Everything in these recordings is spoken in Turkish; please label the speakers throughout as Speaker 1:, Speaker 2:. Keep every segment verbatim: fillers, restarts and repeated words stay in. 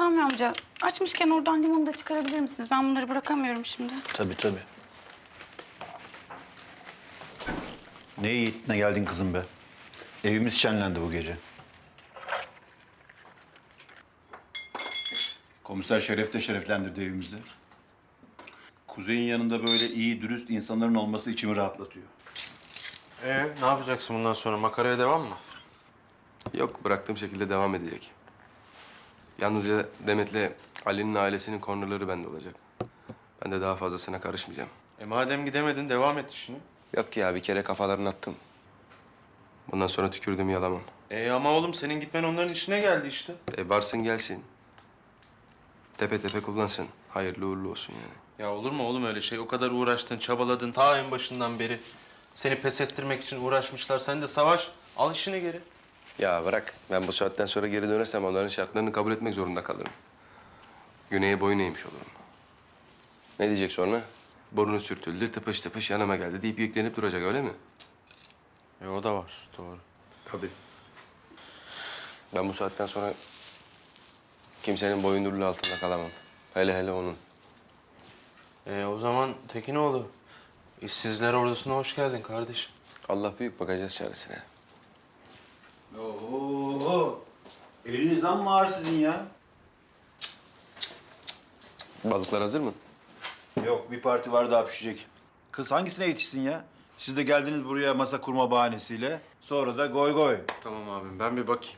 Speaker 1: Sami amca, açmışken oradan limonu da çıkarabilir misiniz? Ben bunları bırakamıyorum şimdi.
Speaker 2: Tabii tabii. Ne yiğit ne geldin kızım be. Evimiz şenlendi bu gece. Komiser Şeref de şereflendirdi evimizi. Kuzey'in yanında böyle iyi, dürüst insanların olması içimi rahatlatıyor.
Speaker 3: Ee, ne yapacaksın bundan sonra? Makaraya devam mı?
Speaker 4: Yok, bıraktığım şekilde devam edecek. Yalnızca Demet'le Ali'nin ailesinin kornerleri bende olacak. Ben de daha fazlasına karışmayacağım.
Speaker 3: E madem gidemedin, devam et işini.
Speaker 4: Yok ya, bir kere kafalarını attım. Bundan sonra tükürdüğümü yalamam.
Speaker 3: E ama oğlum senin gitmen onların işine geldi işte.
Speaker 4: E varsın gelsin. Tepe tepe kullansın. Hayırlı uğurlu olsun yani.
Speaker 3: Ya olur mu oğlum öyle şey? O kadar uğraştın, çabaladın ta en başından beri. Seni pes ettirmek için uğraşmışlar. Sen de savaş, al işini geri.
Speaker 4: Ya bırak, ben bu saatten sonra geri dönersem onların şartlarını kabul etmek zorunda kalırım. Güney'e boyun eğmiş olurum. Ne diyecek sonra? Burnu sürtüldü, tıpış tıpış yanıma geldi deyip yüklenip duracak, öyle mi?
Speaker 3: E o da var, doğru.
Speaker 4: Tabii. Ben bu saatten sonra kimsenin boyunduruluğu altında kalamam. Hele hele onun.
Speaker 3: E o zaman Tekinoğlu, işsizler ordusuna hoş geldin kardeşim.
Speaker 4: Allah büyük, bakacağız çaresine.
Speaker 2: Oo, eliniz amma ağır sizin ya.
Speaker 4: Balıklar hazır mı?
Speaker 2: Yok, bir parti var daha pişecek. Kız hangisine yetişsin ya? Siz de geldiniz buraya masa kurma bahanesiyle. Sonra da goy goy.
Speaker 3: Tamam abim, ben bir bakayım.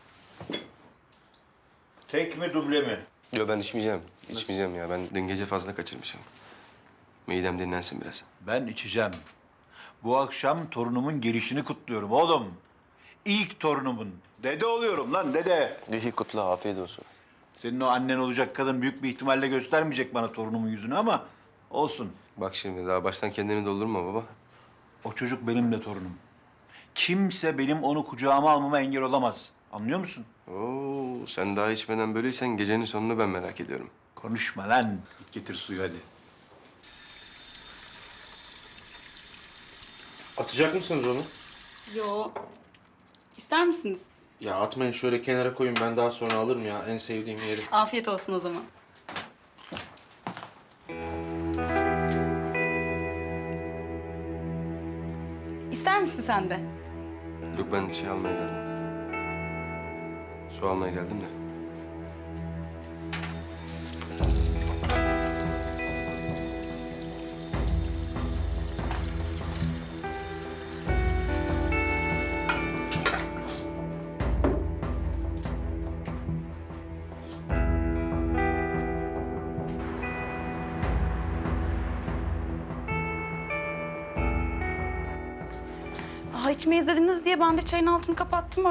Speaker 2: Tek mi duble mi?
Speaker 4: Yok, ben içmeyeceğim. İçmeyeceğim ya. Ben dün gece fazla kaçırmışım. Midem dinlensin biraz.
Speaker 2: Ben içeceğim. Bu akşam torunumun gelişini kutluyorum oğlum. İlk torunumun. Dede oluyorum lan dede.
Speaker 4: İyi kutla, afiyet olsun.
Speaker 2: Senin o annen olacak kadın büyük bir ihtimalle göstermeyecek bana torunumun yüzünü ama olsun.
Speaker 4: Bak şimdi, daha baştan kendini doldurma baba.
Speaker 2: O çocuk benim de torunum. Kimse benim onu kucağıma almama engel olamaz. Anlıyor musun?
Speaker 4: Oo, sen daha içmeden böyleysen gecenin sonunu ben merak ediyorum.
Speaker 2: Konuşma lan. Git getir suyu hadi.
Speaker 3: Atacak mısınız onu?
Speaker 1: Yo. İster misiniz?
Speaker 3: Ya atmayın, şöyle kenara koyun, ben daha sonra alırım ya, en sevdiğim yeri.
Speaker 1: Afiyet olsun o zaman. İster misin sen de?
Speaker 4: Yok, ben şey almaya geldim. Su almaya geldim de.
Speaker 1: Daha içmeyiz dediniz diye ben de çayın altını kapattım.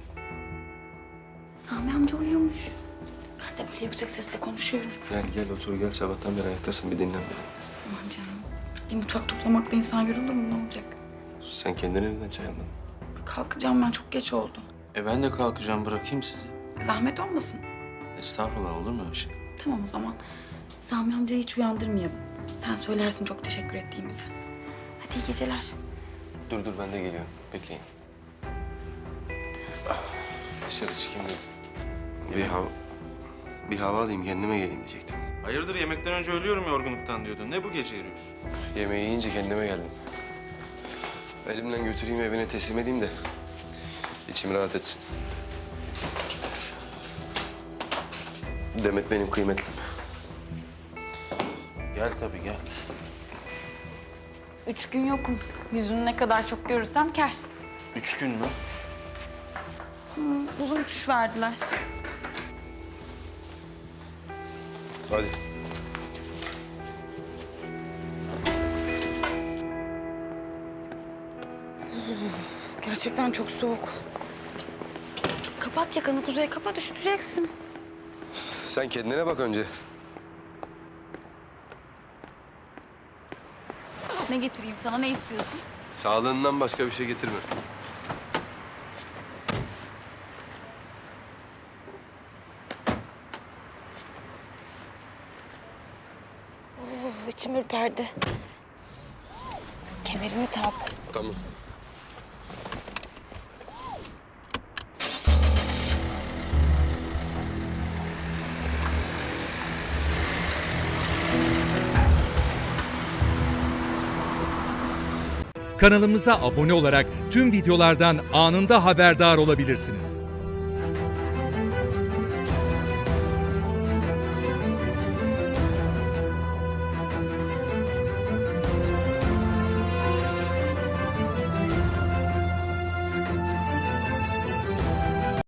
Speaker 1: Sami amca uyuyormuş. Ben de böyle yüksek sesle konuşuyorum.
Speaker 4: Gel gel otur gel, sabahtan beri ayaktasın, bir dinlen bir.
Speaker 1: Aman canım. Bir mutfak toplamakla insan yorulur mu? Ne olacak?
Speaker 4: Sen kendine neden çay almadın?
Speaker 1: Kalkacağım ben. Çok geç oldu.
Speaker 3: E ben de kalkacağım, bırakayım sizi.
Speaker 1: Zahmet olmasın.
Speaker 3: Estağfurullah, olur mu öyle şey?
Speaker 1: Tamam o zaman. Sami amcayı hiç uyandırmayalım. Sen söylersin çok teşekkür ettiğimizi. Hadi iyi geceler.
Speaker 4: Dur dur, ben de geliyorum. Bekleyin. Ah, dışarı çıkayım da bir hava... Bir hava alayım, kendime geleyim diyecektim.
Speaker 3: Hayırdır, yemekten önce ölüyorum yorgunluktan diyordun. Ne bu gece yürüyüş?
Speaker 4: Yemeği yiyince kendime geldim. Elimden götüreyim, evine teslim edeyim de içim rahat etsin. Demet benim kıymetlim.
Speaker 3: Gel tabii, gel.
Speaker 1: Üç gün yokum. Yüzünü ne kadar çok görürsem kâr.
Speaker 3: Üç gün mü?
Speaker 1: Hı, uzun uçuş verdiler.
Speaker 4: Hadi.
Speaker 1: Gerçekten çok soğuk. Kapat yakanı Kuzey, kapat, üşüteceksin.
Speaker 4: Sen kendine bak önce.
Speaker 1: Ne getireyim sana, ne istiyorsun?
Speaker 4: Sağlığından başka bir şey getirme.
Speaker 1: Oh, içim ürperdi. Kemerini tak.
Speaker 4: Tamam.
Speaker 5: Kanalımıza abone olarak tüm videolardan anında haberdar olabilirsiniz.